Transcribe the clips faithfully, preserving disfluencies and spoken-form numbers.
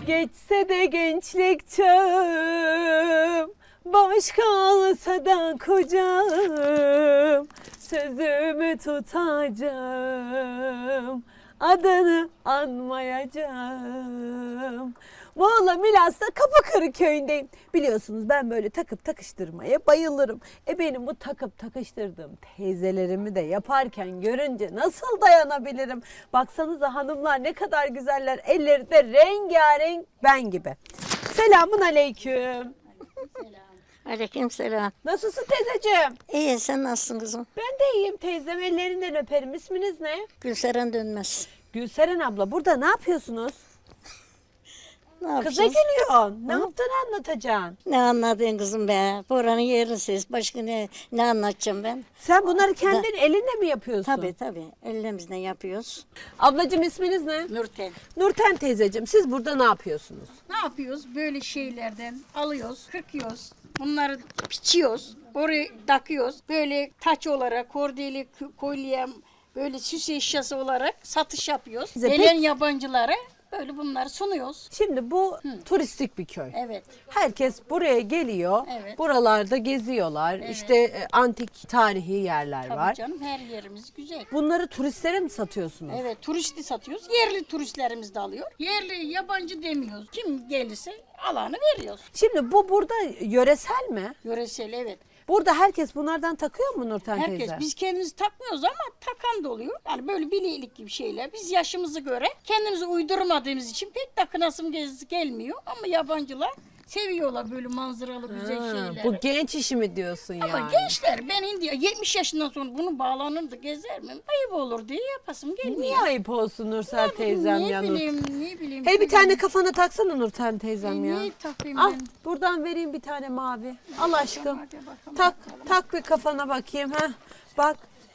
Geçse de gençlik çağım, boş kalsa da kocam, sözümü tutacağım, adını anmayacağım. Muğla Milas'ta Kapıkırı köyündeyim. Biliyorsunuz ben böyle takıp takıştırmaya bayılırım. E benim bu takıp takıştırdığım teyzelerimi de yaparken görünce nasıl dayanabilirim? Baksanıza hanımlar ne kadar güzeller. Elleri de rengarenk ben gibi. Selamun aleyküm. Aleykümselam. Nasılsın teyzeciğim? İyi, sen nasılsın kızım? Ben de iyiyim teyzem. Ellerinden öperim. İsminiz ne? Gülseren Dönmez. Gülseren abla. Burada ne yapıyorsunuz? Ne Kıza yapacağız? gülüyorsun. Ne yaptığını anlatacaksın. Ne anladın kızım be? Buranın yerlisiyiz. Başka ne, ne anlatacağım ben? Sen bunları kendin elinle mi yapıyorsun? Tabii tabii. Ellerimizle yapıyoruz. Ablacığım isminiz ne? Nurten. Nurten teyzeciğim siz burada ne yapıyorsunuz? Ne yapıyoruz? Böyle şeylerden alıyoruz, kırkıyoruz. Bunları biçiyoruz. Oraya takıyoruz. Böyle taç olarak, kordeli, k- kolye, böyle süs eşyası olarak satış yapıyoruz. Bize Gelen pek- yabancılara böyle bunları sunuyoruz. Şimdi bu turistik bir köy. Evet. Herkes buraya geliyor. Evet. Buralarda geziyorlar. İşte e, antik tarihi yerler Tabii var. canım, her yerimiz güzel. Bunları turistlere mi satıyorsunuz? Evet, turisti satıyoruz. Yerli turistlerimiz de alıyor. Yerli, yabancı demiyoruz. Kim gelirse alanı veriyoruz. Şimdi bu burada yöresel mi? Yöresel, evet. Burada herkes bunlardan takıyor mu Nurten Herkes, teyze? biz kendimiz takmıyoruz ama takan da oluyor. Yani böyle bilelik gibi şeyler. Biz yaşımızı göre kendimizi uydurmadığımız için pek takınasım gez- gelmiyor. Ama yabancılar seviyorlar böyle manzaralı güzel Ha, şeyleri. bu genç işi mi diyorsun Ama yani? gençler, ben indi yetmiş yaşından sonra bunu bağlanır da gezer miyim? Ayıp olur diye yapasım gelmiyor. Niye ayıp olsun Nursel Ne bileyim, teyzem ne ya Nur? bileyim, ne bileyim. Hey bir ne tane bileyim. kafana taksana Nurten teyzem E, ya. niye takayım Al ben? buradan vereyim bir tane mavi. Al aşkım. Hadi bakalım, Tak tak bir kafana bakayım ha. Bak.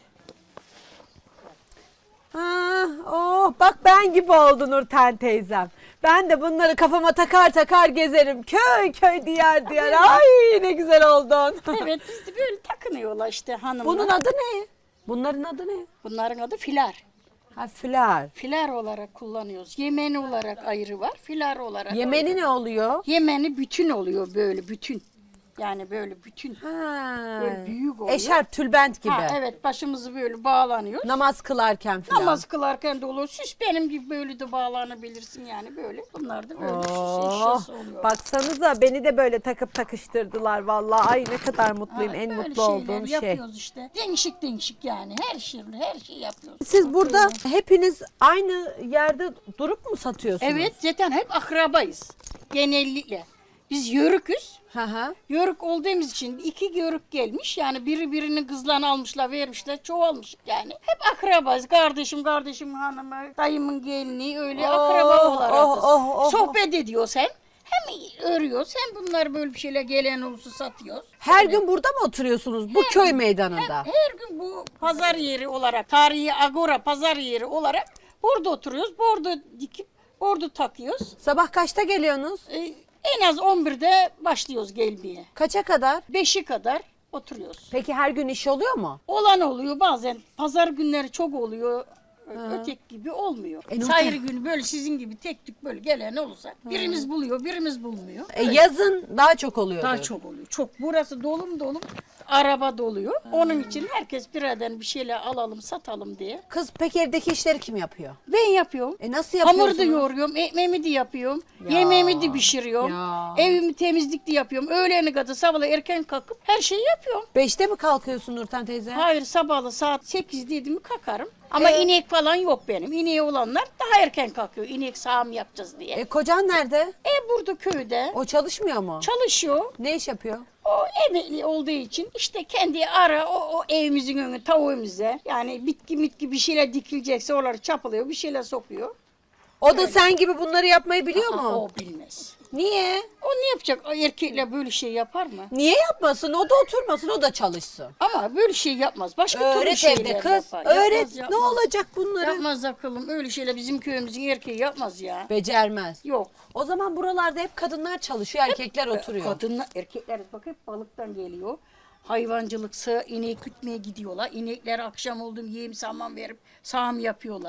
Ha, oh bak ben gibi oldu Nurten teyzem. Ben de bunları kafama takar takar gezerim. Köy köy diyar diyar. Ay ne güzel oldun. Evet, biz de böyle takınıyorlar işte hanımlar. Bunun adı ne? Bunların adı ne? Bunların adı filar. Ha filar. Filar olarak kullanıyoruz. Yemeni olarak ayrı var. Filar olarak. Yemeni ne oluyor? Yemeni bütün oluyor böyle bütün. Yani böyle bütün. Ha. Böyle büyük oluyor. Eşarp, tülbent gibi. Ha, evet, başımızı böyle bağlanıyoruz. Namaz kılarken filan. Namaz kılarken de olur. Süs benim gibi böyle de bağlanabilirsin yani böyle. Bunlar da böyle süs Oh, eşyası oluyor. baksanıza beni de böyle takıp takıştırdılar vallahi. Ay ne kadar mutluyum. Ha, en böyle mutlu şeyler olduğum şey. yapıyoruz işte. Değişik değişik yani. Her şey, her şey yapıyoruz. Siz burada hepiniz aynı yerde durup mu satıyorsunuz? Evet, zaten hep akrabayız. Genellikle. Biz yörüküz. Hı hı. Yörük olduğumuz için iki yörük gelmiş. Yani biri birinin kızlarını almışlar, vermişler, çoğalmış yani. Hep akrabayız. Kardeşim, kardeşim hanımı, dayımın gelini öyle Oh, akraba olarak. oh, oh, oh. Sohbet ediyoruz hem. Hem örüyoruz hem bunları böyle bir şeyler gelen olursa satıyoruz. Her Öyle. gün burada mı oturuyorsunuz bu köy meydanında? Her gün bu pazar yeri olarak, tarihi agora pazar yeri olarak burada oturuyoruz. Bordo dikip bordo takıyoruz. Sabah kaçta geliyorsunuz? Ee, en az on birde başlıyoruz gelmeye. Kaça kadar? beşe kadar oturuyoruz. Peki her gün iş oluyor mu? Olan oluyor bazen. Pazar günleri çok oluyor. Ötek gibi olmuyor. E, ne Sayır olacak? günü böyle sizin gibi tek tük böyle gelen olursa birimiz buluyor, birimiz bulmuyor. E, yazın daha çok oluyor. Daha çok oluyor. Çok. Burası dolum dolum. Araba doluyor. Onun için herkes biraden bir şeyler alalım, satalım diye. Kız peki evdeki işleri kim yapıyor? Ben yapıyorum. E nasıl Hamur yapıyorsunuz? da yoğuruyorum, ekmeğimi de yapıyorum, Ya. yemeğimi de pişiriyorum, Ya. evimi temizlik de yapıyorum. Öğlene kadar sabahla erken kalkıp her şeyi yapıyorum. Beşte mi kalkıyorsun Nurten teyze? Hayır, sabahla saat sekiz dedi mi kalkarım. Ama Ee? inek falan yok benim. İneği olanlar daha erken kalkıyor. İnek sağım yapacağız diye. E, kocan nerede? E burada köyde O çalışmıyor mu? çalışıyor. Ne iş yapıyor? O emekli olduğu için işte kendi ara o, o evimizin önü tavuğumuza yani bitki mitki bir şeyler dikilecekse oraları çapalıyor, bir şeyler sokuyor. O da sen gibi bunları yapmayı biliyor Aa, mu? o bilmez. Niye? O ne yapacak? O erkekle böyle şey yapar mı? Niye yapmasın? O da oturmasın, o da çalışsın. Ama böyle şey yapmaz. Başka türlü Öğret şeyler evde kız. yapar. Öğret. Yapmaz, Ne yapmaz. olacak bunları? Yapmaz akıllım. Öyle şeyler bizim köyümüzün erkeği yapmaz ya. Becermez. Yok. O zaman buralarda hep kadınlar çalışıyor, erkekler oturuyor. Kadınlar, erkekler bak hep balıktan geliyor. Hayvancılık, sığ, inek gütmeye gidiyorlar. İnekler akşam oldu mu yem saman verip sağım yapıyorlar.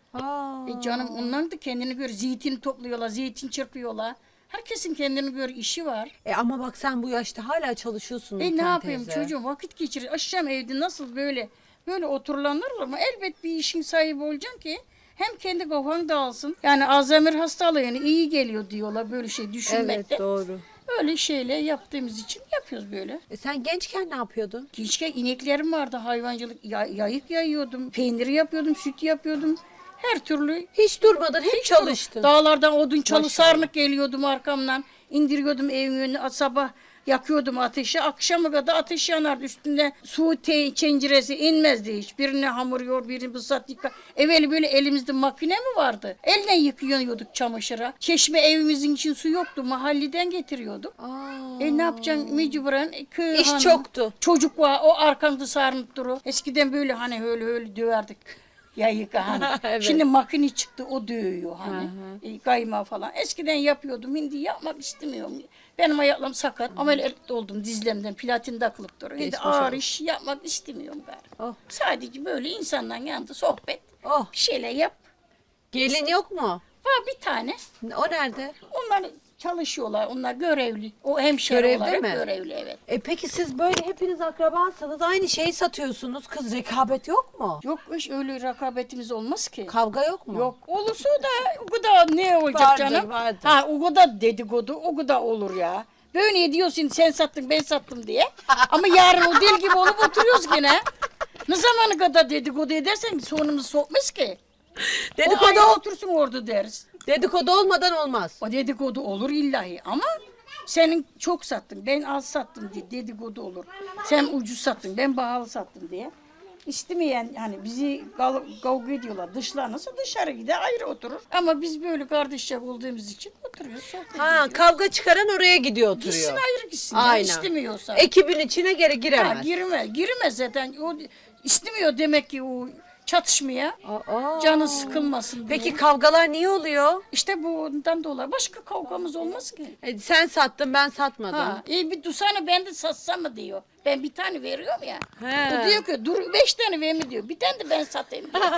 Aa. E canım ondan da kendine göre zeytin topluyorlar, zeytin çırpıyorlar. Herkesin kendine göre işi var. E ama bak sen bu yaşta hala çalışıyorsun E ne Nurten yapayım teyze. çocuğum vakit geçirir. Akşam evde nasıl böyle böyle oturulanır ama elbet bir işin sahibi olacaksın ki hem kendi kafan dağılsın. Yani Alzheimer hastalığına iyi geliyor diyorlar böyle şey düşünmekte. Evet doğru. Öyle şeyler yaptığımız için yapıyoruz böyle. E sen gençken ne yapıyordun? Gençken ineklerim vardı hayvancılık ya- yayık yayıyordum, peynir yapıyordum, süt yapıyordum. Her türlü Hiç durmadın, hep çalıştın. dağlardan odun çalı Maşallah. sarnık geliyordum arkamdan. İndiriyordum evin önüne sabah yakıyordum ateşi. Akşama kadar ateş yanardı üstünde su te- tenceresi inmezdi hiç. Birine hamur yoğur, birini bısat yıka. Evveli böyle elimizde makine mi vardı? Elle yıkıyorduk çamaşıra. Çeşme evimizin için su yoktu. Mahalleden getiriyorduk. Aa. E ne yapacaksın mecburen? E, köy İş hanımı, çoktu. Çocuk var o arkamda sarınıp duru. Eskiden böyle hani öyle öyle döverdik. Ya yıka hani. Evet. Şimdi makine çıktı o dövüyor hani. E, kayma falan. Eskiden yapıyordum. Şimdi yapmak istemiyorum. Benim ayaklarım sakat. Ameliyat oldum dizlemden. Platin takılıp duruyor. Şimdi Geçmiş ağır olsun. iş yapmak istemiyorum galiba. Oh. Sadece böyle insanların yanında sohbet. Oh. Bir şeyler yap. Gelin yok mu? Var bir tane. O nerede? Onlar çalışıyorlar. Onlar görevli. O hemşire Görevli olarak mi? görevli evet. E peki siz böyle hepiniz akrabasanız aynı şeyi satıyorsunuz. Kız rekabet yok mu? Yok hiç öyle rekabetimiz olmaz ki. Kavga yok mu? Yok. Olursa da o kadar ne olacak Vardır, canım? vardır. Ha o kadar dedikodu o kadar olur ya. Böyle diyorsun sen sattın ben sattım diye. Ama yarın o deli gibi olup oturuyoruz gene. Ne zamana kadar dedikodu edersen sonumuzu sokmaz ki. Dedikodu, O ayağa otursun orada deriz. dedikodu olmadan olmaz. O dedikodu olur illahi ama senin çok sattın ben az sattım diye dedikodu olur. Sen ucuz sattın ben pahalı sattım diye. İstemeyen hani bizi gal- kavga ediyorlar dışlanırsa dışarı gider ayrı oturur. Ama biz böyle kardeşçe olduğumuz için oturuyoruz sohbet Ha ediyoruz. kavga çıkaran oraya gidiyor oturuyor. Gitsin ayrı gitsin. ya, Aynen. istemiyorsa. Ekibin içine geri Ha, giremez. girmez. Girmez zaten. O istemiyor demek ki o çatışmaya. Aa. Canı sıkılmasın diye. Peki kavgalar niye oluyor? işte bundan dolayı başka kavgamız olmaz ki. E, sen sattın ben satmadım. Ha, e bir dursana ben de satsam mı diyor. Ben bir tane veriyorum ya. He. O diyor ki dur beş tane ver mi diyor. Bir tane de ben satayım diyor.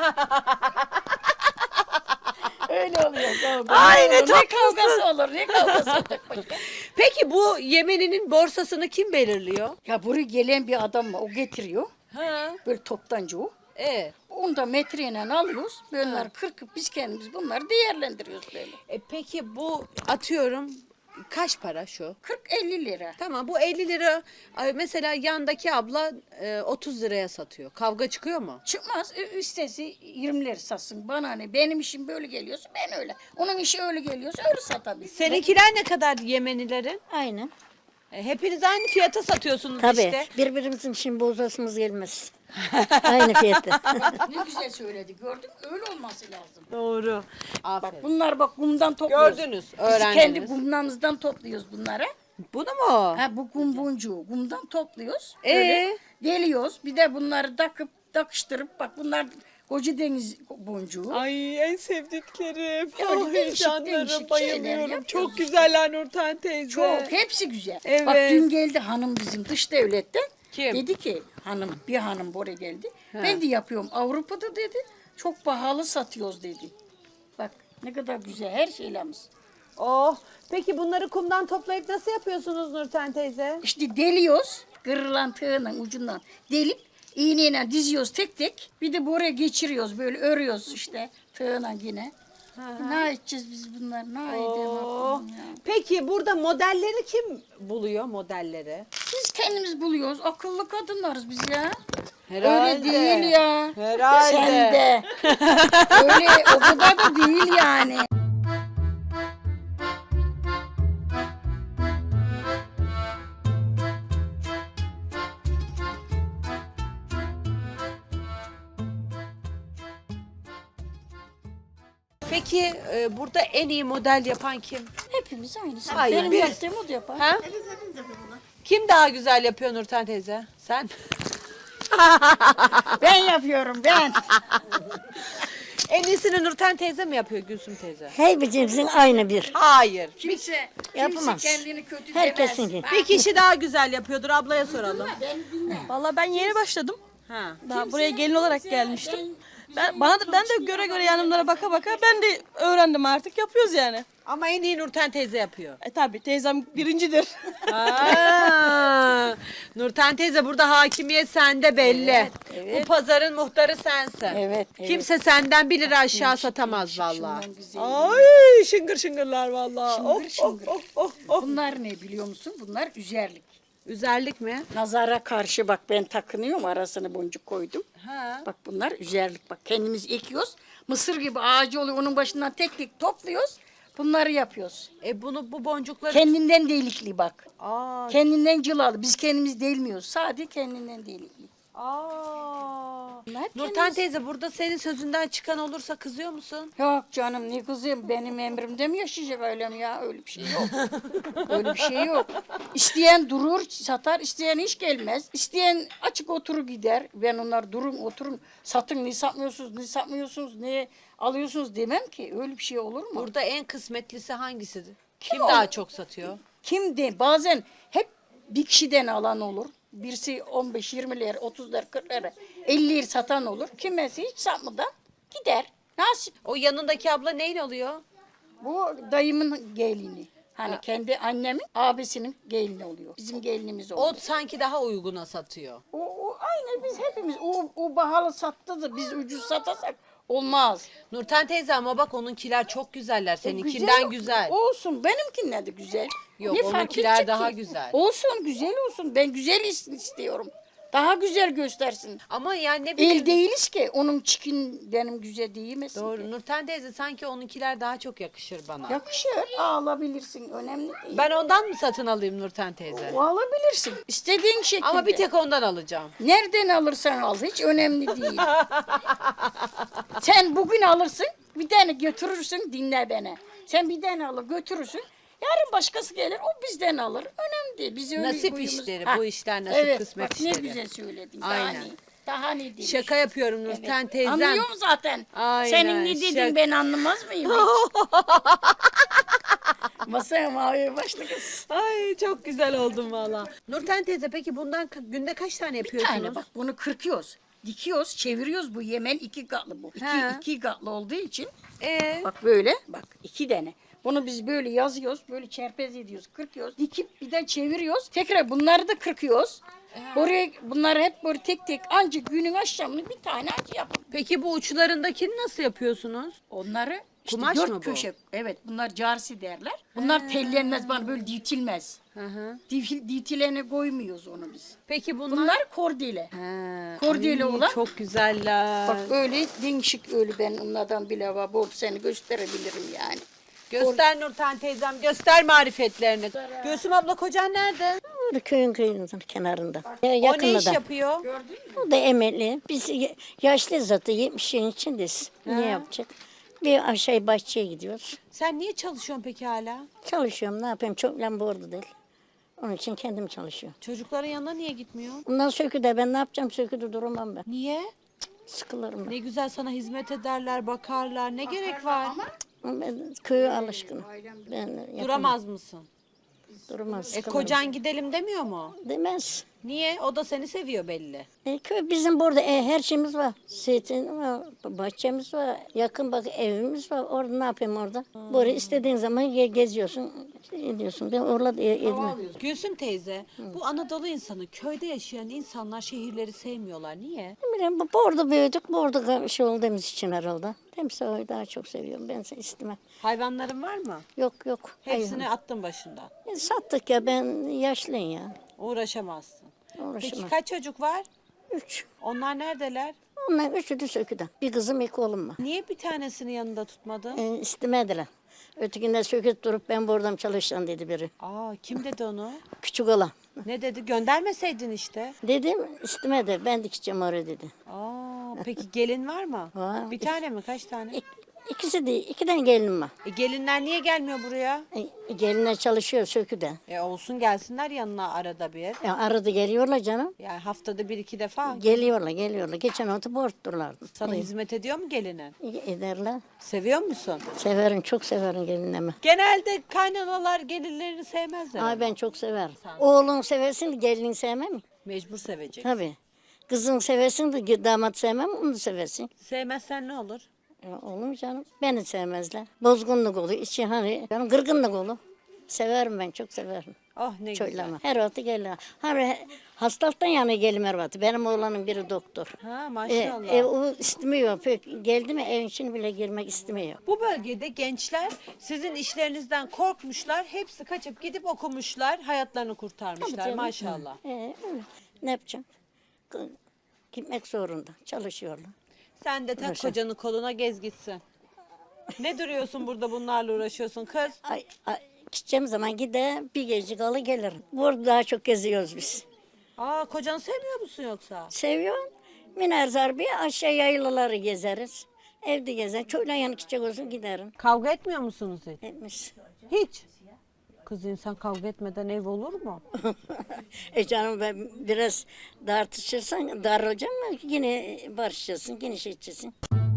Öyle oluyor kavga. Ay, ne ne olur, ne tatlısın. kavgası olur ne kavgası olur. başka. Peki bu Yemeni'nin borsasını kim belirliyor? Ya buraya gelen bir adam var o getiriyor. Ha. Böyle toptancı o. E, Onu da metreyle alıyoruz. Bunları kırkıp biz kendimiz bunları değerlendiriyoruz böyle. e peki bu atıyorum kaç para şu? kırk elli lira. Tamam bu elli lira ay, mesela yandaki abla e, otuz liraya satıyor. Kavga çıkıyor mu? Çıkmaz. Ü- Üstesi yirmi lira satsın. Bana ne? Benim işim böyle geliyorsa ben öyle. Onun işi öyle geliyorsa öyle satabilir. Seninkiler ne kadar Yemenilerin? Aynen. E, hepiniz aynı fiyata satıyorsunuz Tabii. işte. Birbirimizin için bozasımız gelmez. Aynı fiyatta. Ne güzel söyledi. Gördün mü? Öyle olması lazım. Doğru. Bak Aferin. bunlar bak kumdan topluyoruz. Gördünüz, Biz öğrendiniz. kendi kumlarımızdan topluyoruz bunları. Bunu mu? Ha bu kum boncuğu kumdan topluyoruz. Ee? Böyle deliyoruz. Bir de bunları takıp takıştırıp bak bunlar koca deniz boncuğu. Ay en sevdiklerim. Öyle Ay değişik canlarım, değişik bayılıyorum. şeyler yapıyoruz Çok işte. güzeller Nurten teyze. Çok hepsi güzel. Evet. Bak dün geldi hanım bizim dış devletten. Kim? Dedi ki hanım bir hanım buraya geldi. Ben de yapıyorum Avrupa'da dedi. Çok pahalı satıyoruz dedi. Bak ne kadar güzel her şeylerimiz. Oh. Peki bunları kumdan toplayıp nasıl yapıyorsunuz Nurten teyze? İşte deliyoruz. Kırılan tığının ucundan delip iğneyle diziyoruz tek tek. Bir de buraya geçiriyoruz böyle örüyoruz işte tığına yine. Ne edeceğiz biz bunlar? Ne edelim Oh. Allah'ım ya? Peki burada modelleri kim buluyor modelleri? Biz kendimiz buluyoruz. Akıllı kadınlarız biz ya. Herhalde. Öyle değil ya. Herhalde. Sen de. Öyle o kadar da değil yani. Peki e, burada en iyi model yapan kim? Hepimiz aynısı. Hayır, Benim biz- yaptığım o da yapar. Ha? Kim daha güzel yapıyor Nurten teyze? Sen? Ben yapıyorum ben. En iyisini Nurten teyze mi yapıyor Gülsüm teyze? Her birimizin aynı bir. Hayır. Kimse, Yapamaz. kimse kendini kötü Herkesin demez. gibi. Bir kişi daha güzel yapıyordur ablaya soralım. Ben dinle. Vallahi ben yeni başladım. Ha. Daha buraya gelin olarak gelmiştim. Ben, bana da, ben de göre göre yanımlara baka baka ben de öğrendim artık yapıyoruz yani. Ama en iyi Nurten teyze yapıyor. E tabi teyzem birincidir. Aa, Nurten teyze burada hakimiyet sende belli. Evet, evet. Bu pazarın muhtarı sensin. Evet, evet. Kimse senden bir lira aşağı satamaz vallahi. şundan güzel. Ay şıngır şıngırlar vallahi. Şıngır Of, şıngır. of, of, of, of. Bunlar ne biliyor musun? Bunlar üzerlik. Üzerlik mi? Nazara karşı bak ben takınıyorum, arasına boncuk koydum. Ha. Bak bunlar üzerlik, bak kendimiz ekiyoruz. Mısır gibi ağacı oluyor, onun başından tek tek topluyoruz. Bunları yapıyoruz. E bunu bu boncukları... Kendinden delikli bak. Aa, Kendinden cılalı. Biz kendimiz delmiyoruz. Sadece kendinden delikli. aa. Bunlar Nurten kendimiz- teyze burada senin sözünden çıkan olursa kızıyor musun? Yok canım ne kızım, benim emrimde mi yaşayacak ailem ya? Öyle bir şey yok. Öyle bir şey yok. İsteyen durur satar, isteyen hiç gelmez. İsteyen açık oturur gider. Ben onlar durun oturun satın, ne satmıyorsunuz ne satmıyorsunuz ne alıyorsunuz demem ki. Öyle bir şey olur mu? Burada en kısmetlisi hangisidir? Kim, Kim o? daha çok satıyor? Kim de bazen hep bir kişiden alan olur. Birisi on beş yirmi lira, otuz lira, kırk lira, elli lira satan olur. Kimisi hiç satmadan gider. Nasip. O yanındaki abla neyin oluyor? Bu dayımın gelini. Hani kendi annemin abisinin gelini oluyor. Bizim gelinimiz O oluyor. sanki daha uyguna satıyor. O, o aynı biz hepimiz. O, o pahalı sattı da biz ucuz satasak olmaz. Nurten teyze ama bak onunkiler çok güzeller. E, Seninkinden güzel. Olsun. Benimkinden de güzel. Yok, Ne fark onunkiler edecek daha ki? güzel. Olsun güzel olsun. Ben güzel is- istiyorum. Daha güzel göstersin. Ama yani ne bileyim. El değiliz ki onun çikin benim güzel değilmesin. Doğru. ki. Nurten teyze sanki onunkiler daha çok yakışır bana. Yakışır. Alabilirsin. Önemli değil. Ben ondan mı satın alayım Nurten teyze? O alabilirsin. İstediğin şekilde. Ama bir tek ondan alacağım. Nereden alırsan al hiç önemli değil. Sen bugün alırsın bir tane götürürsün dinle beni. Sen bir tane alır götürürsün. Yarın başkası gelir o bizden alır. Önemli değil. Biz öyle Nasip huyumuz- işleri, Ha, bu işler nasip evet, kısmet bak, işleri. Ne güzel söyledin. Daha Aynen. ne? Daha ne diyeyim? Şaka yapıyorum Nurten teyzem. Anlıyorum zaten. Aynen, Senin ne dediğin şaka. ben anlamaz mıyım hiç? Masaya maviye başlı kız. Ay çok güzel oldum valla. Nurten teyze peki bundan ka- günde kaç tane Bir yapıyorsunuz? tane bak bunu kırkıyoruz. Dikiyoruz, çeviriyoruz. Bu Yemen iki katlı bu. İki, He. iki katlı olduğu için Ee, bak böyle bak iki tane. Bunu biz böyle yazıyoruz, böyle çerpez ediyoruz, kırkıyoruz. Dikip bir de çeviriyoruz. Tekrar bunları da kırkıyoruz. Oraya bunları hep böyle tek tek ancak günün akşamını bir tane acı yapın. peki bu uçlarındakini nasıl yapıyorsunuz? Onları işte Kumaş dört mı bu? köşe. Evet bunlar carsi derler. Bunlar tellenmez bana böyle ditilmez. Hı hı. Dil, ditilene koymuyoruz onu biz. Peki bunlar? Bunlar kordile. He, Kordeli ay, olan. Çok güzeller. Bak öyle değişik öyle ben onlardan bile var. Bu seni gösterebilirim yani. Göster Nurten teyzem, göster marifetlerini. Gülsüm abla kocan nerede? Orada köyün köyünün kenarında. Ya, O ne yakında iş da. yapıyor? O da emekli. Biz y- yaşlı zaten yetmişin içindeyiz. Ne yapacak? Bir aşağı bahçeye gidiyoruz. Sen niye çalışıyorsun peki hala? Çalışıyorum ne yapayım çok lamba orada değil. Onun için kendim çalışıyorum. Çocukların yanına niye gitmiyor? Bundan söküde ben ne yapacağım söküde durmam ben. Niye? Sıkılırım ben. Ne güzel sana hizmet ederler, bakarlar. Ne gerek var? Ben köye alışkınım. Ben yapamam. Duramaz mısın? Duramaz. E sıkılırım. kocan gidelim demiyor mu? Demez. Niye? O da seni seviyor belli. E, köy bizim burada e, her şeyimiz var. Zeytin var, bahçemiz var. Yakın bak evimiz var. Orada ne yapayım orada? Buraya istediğin zaman ge- geziyorsun, şey ediyorsun. Ben orada e, edmem. Gülsüm teyze, bu Anadolu insanı, köyde yaşayan insanlar şehirleri sevmiyorlar. Niye? Ne bileyim bu burada büyüdük, burada şey olduğumuz için herhalde. Timsahı daha çok seviyorum. Ben seni istemem. Hayvanların var mı? Yok yok. Hepsini hayır. attın başından. E, sattık ya ben yaşlıyım ya. Uğraşamazsın. Peki Uğraşamam. kaç çocuk var? Üç. Onlar neredeler? Onlar üçü de söküden. Bir kızım iki oğlum var. Niye bir tanesini yanında tutmadın? E, istemediler. Ötekinde söküp durup ben buradan çalışacağım dedi biri. Aa, kim dedi onu? Küçük olan. Ne dedi? Göndermeseydin işte. Dedim istemedi. Ben dikeceğim oraya dedi. Aa, peki gelin var mı? Var. Bir tane mi? Kaç tane? İk, ikisi de iki tane gelinim var. E, gelinler niye gelmiyor buraya? E, gelinler çalışıyor söküde. E olsun gelsinler yanına arada bir. Ya arada geliyorlar canım. Yani haftada bir iki defa. Geliyorlar geliyorlar. Geçen hafta borçlulardı. Sana hizmet ediyor mu gelinin? Ederler. Seviyor musun? Severim çok severim gelinimi. Genelde kaynanalar gelinlerini sevmezler. Ay ama. ben çok severim. Oğlun seversin gelinin sevmem mi? Mecbur sevecek. Tabii. Kızını seversin de damat sevmem, onu seversin. Sevmezsen ne olur? Ya olur mu canım? Beni sevmezler. Bozgunluk olur, içi hani, canım kırgınlık olur. Severim ben, çok severim. Oh ne güzel. Çoylama. Her vakti gelir. Her hastalıktan yana gelim her vakti. Benim oğlanın biri doktor. Ha E, maşallah. ev o istemiyor. Pek geldi mi evin içine bile girmek istemiyor. Bu bölgede gençler sizin işlerinizden korkmuşlar. Hepsi kaçıp gidip okumuşlar. Hayatlarını kurtarmışlar canım. maşallah. E, öyle. Ne yapacağım? K- Gitmek zorunda. Çalışıyorlar. Sen de tak Uğraşın. kocanı koluna gez gitsin. Ne duruyorsun burada bunlarla uğraşıyorsun kız? Ay, ay, gideceğim zaman gider bir gece kalı gelirim. Burada daha çok geziyoruz biz. Aa kocanı sevmiyor musun yoksa? Seviyorum. Miner zarbi aşağı yaylaları gezeriz. Evde gezer. Çoğuyla yanı gidecek olsun giderim. Kavga etmiyor musunuz hiç? Etmiş. Hiç. Kız insan kavga etmeden ev olur mu? E canım ben biraz tartışırsan darılacağım mı? Yine barışacaksın, yine şey edeceksin.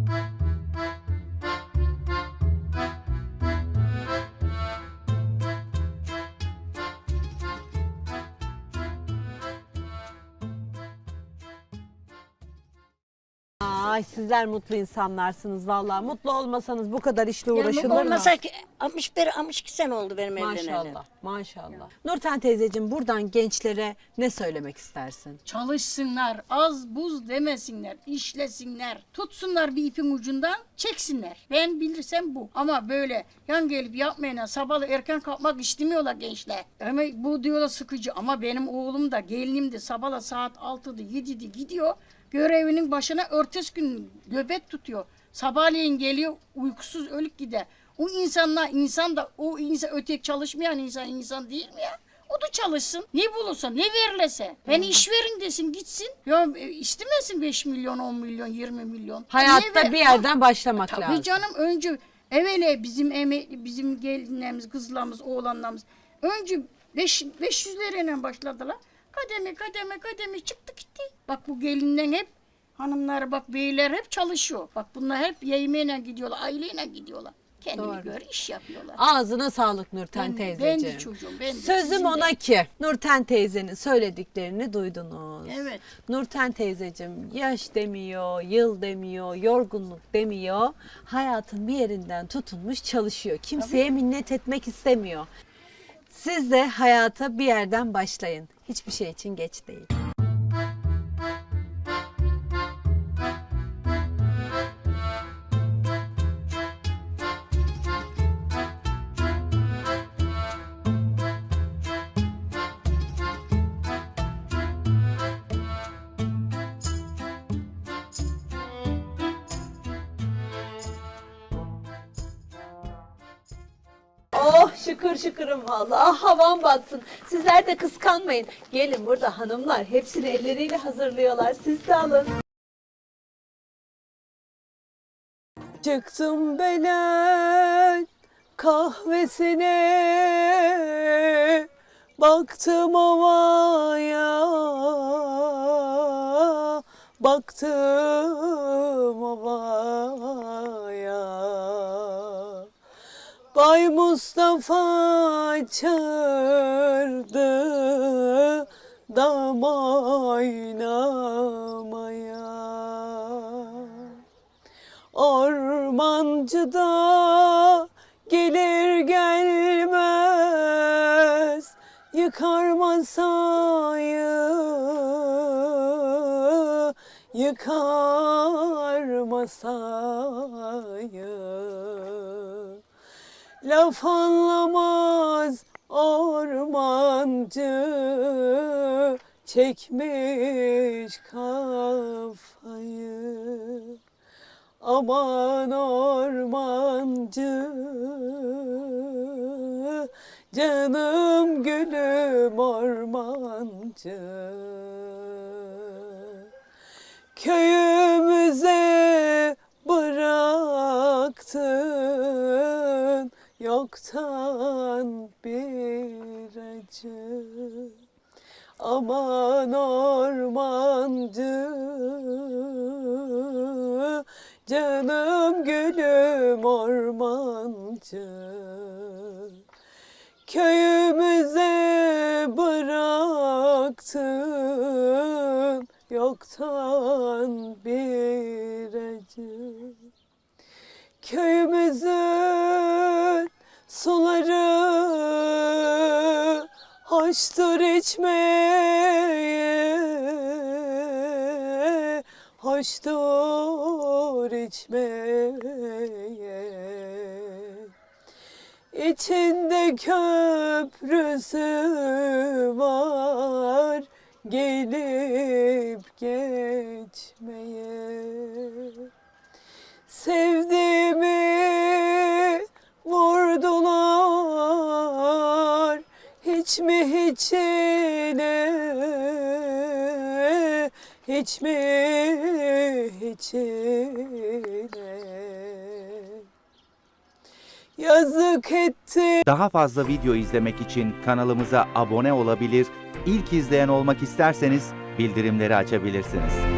Ay sizler mutlu insanlarsınız vallahi. Mutlu olmasanız bu kadar işle Yani uğraşılır mı? olmasa ki altmış bir altmış iki sene oldu benim evleneli. Maşallah, maşallah. Nurten teyzeciğim buradan gençlere ne söylemek istersin? Çalışsınlar, az buz demesinler, işlesinler, tutsunlar bir ipin ucundan, çeksinler. Ben bilirsem bu. Ama böyle yan gelip yapmayana sabahlı erken kalkmak istemiyorlar gençler. Ama bu diyorlar sıkıcı. Ama benim oğlum da gelinim de sabahla saat altıda yedide gidiyor. Görevinin başına ertesi gün nöbet tutuyor. Sabahleyin geliyor uykusuz ölüp gider. O insanlar insan da o insan ötek çalışmayan insan insan değil mi ya? O da çalışsın. Ne bulursa, ne verilese. Ben iş verin desin gitsin. Ya e, istemesin beş milyon, on milyon, yirmi milyon. Hayatta Ne ver- bir yerden başlamak Tabii lazım. canım önce evvela bizim emekli, bizim gelinlerimiz, kızlarımız, oğlanlarımız önce beş, beş yüzleriyle başladılar. Kademe kademe kademe çıktı gitti. Bak bu gelinler hep hanımlar bak beyler hep çalışıyor. Bak bunlar hep yemeğine gidiyorlar, aileyle gidiyorlar. Kendine Doğru. göre iş yapıyorlar. Ağzına sağlık Nurten Ben- teyzeciğim. ben de çocuğum, ben de, Sözüm sizin de. ona ki Nurten teyzenin söylediklerini duydunuz. Evet. Nurten teyzeciğim yaş demiyor, yıl demiyor, yorgunluk demiyor. Hayatın bir yerinden tutunmuş çalışıyor. Kimseye minnet etmek istemiyor. Siz de hayata bir yerden başlayın. Hiçbir şey için geç değil. Oh şıkır şıkırım vallahi havam batsın. Sizler de kıskanmayın. Gelin burada hanımlar hepsini elleriyle hazırlıyorlar. Siz de alın. Çıktım belen kahvesine, baktım ovaya, baktım ovaya. Bay Mustafa çağırdı dam oynamaya. Ormancı da gelir gelmez yıkar masayı, yıkar masayı. Laf anlamaz ormancı, çekmiş kafayı. Aman ormancı, canım gülüm ormancı. Köyümüze bıraktın yoktan bir acı. Aman ormancı, canım gülüm ormancı. Köyümüze bıraktın yok yoktan bir acı. Köyümüzün suları hoştur içmeye, hoştur içmeye. İçinde köprüsü var gelip geçmeye. Sevdiğimi vurdular hiç mi hiçine, hiç mi hiçine. Yazık etti. Daha fazla video izlemek için kanalımıza abone olabilir, ilk izleyen olmak isterseniz bildirimleri açabilirsiniz.